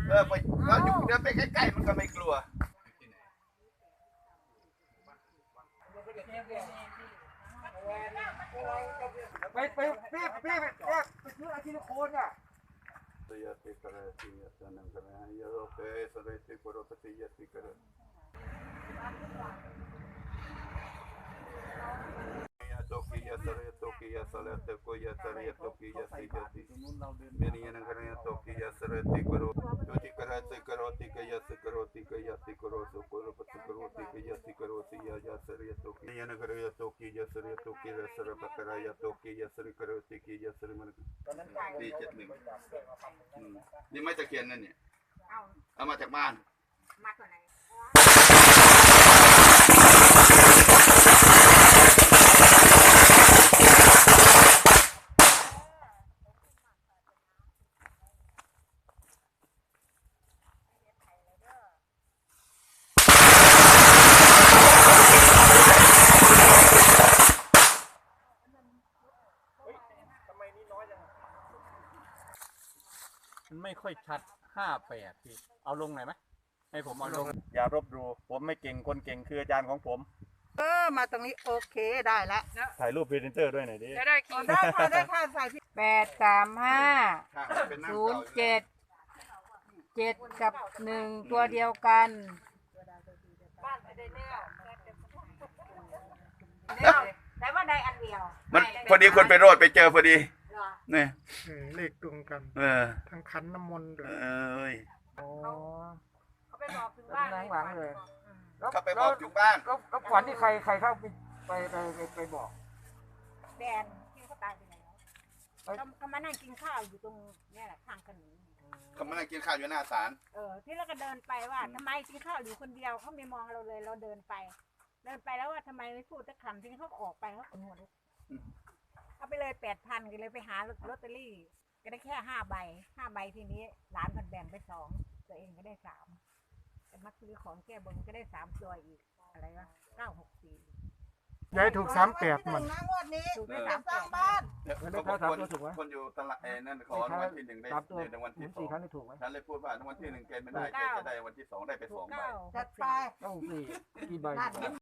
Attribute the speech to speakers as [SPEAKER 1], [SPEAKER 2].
[SPEAKER 1] ไปเราอยู่เดินไปใกล้ๆมันก็ไม่กลัว
[SPEAKER 2] ไปซื้ออาชีพโคนอ่ะ
[SPEAKER 1] ยติกระติยตนังกระยโรเปสเรติกโรปติยติกระโตกิยสเรโตกิยสเลตโกยสเรโตกิยสิยติเมนียนังกระโตกิยสเรติกโรโยติกระติกโรติกยสกโรติกยติกโรสุโกโรปติกโรติกยติกโรติยยสเรโตกิยนังกระโตกิยสเรโตกิยสเรปกระยโตกิยสเรกโรติกยสเรมันปี71นี่ไม่ตะเคียนนั่นเนี่ยเอามาจากบ้านมาจากไหน
[SPEAKER 3] มันไม่ค่อยชัด58พี่เอาลงหน่อยไหมให้ผมเอาลง
[SPEAKER 2] อย่ารบดูผมไม่เก่งคนเก่งคืออาจารย์ของผม
[SPEAKER 4] มาตรงนี้โอเคได้แล้ว
[SPEAKER 2] ถ่ายรูปพรีเซนเตอร์ด้วยหน่อยดิ
[SPEAKER 4] ได้ค่ะใส่83507กับ1ตัวเดียวกันแต่ว่าได้อันเดียว
[SPEAKER 1] มันพอดีคนไปโรดไปเจอพอดีเนี่ย
[SPEAKER 5] เลขตรงกันทั้งขันน้ำมนต์ด้วย
[SPEAKER 4] เขาไปบอกถึงบ้านหลังเลย
[SPEAKER 1] เขาไปบอกถึงบ้าน
[SPEAKER 2] ก็ฝันที่ใครเข้าไปบอก
[SPEAKER 4] แดนที่เขาตายไปแล้วเขามานั่งกินข้าวอยู่ตรงนี่แหละข้างถนน
[SPEAKER 1] เขามานั่งกินข้าวอยู่หน้าศาล
[SPEAKER 4] ที่เราก็เดินไปว่าทำไมกินข้าวอยู่คนเดียวเขาไม่มองเราเลยเราเดินไปแล้วว่าทำไมไม่พูดสักคำที่เขาออกไปเขาขนวดเอาไปเลย8,000ก็เลยไปหาลอตเตอรี่ก็ได้แค่5 ใบทีนี้หลานมันแบ่งไป2ตัวเองก็ได้3แต่มาซื้อของแก้บนก็ได้3ตัวอีกอะไรวะ964
[SPEAKER 5] ยายถูก38มัน
[SPEAKER 4] ถูกได้3บ้าน
[SPEAKER 1] คนอยู่ตลาดนั่นขอรางวัลที่1ได้ในวันที่2
[SPEAKER 2] ครั้งนี้ถูกไหม
[SPEAKER 1] ฉันเลยพูดว่ารางวัลที่1แกไม่ได้แกจะได้วันที่2ได้ไป2 ใบ
[SPEAKER 4] จัดไป
[SPEAKER 2] ต้อง4กี่ใบ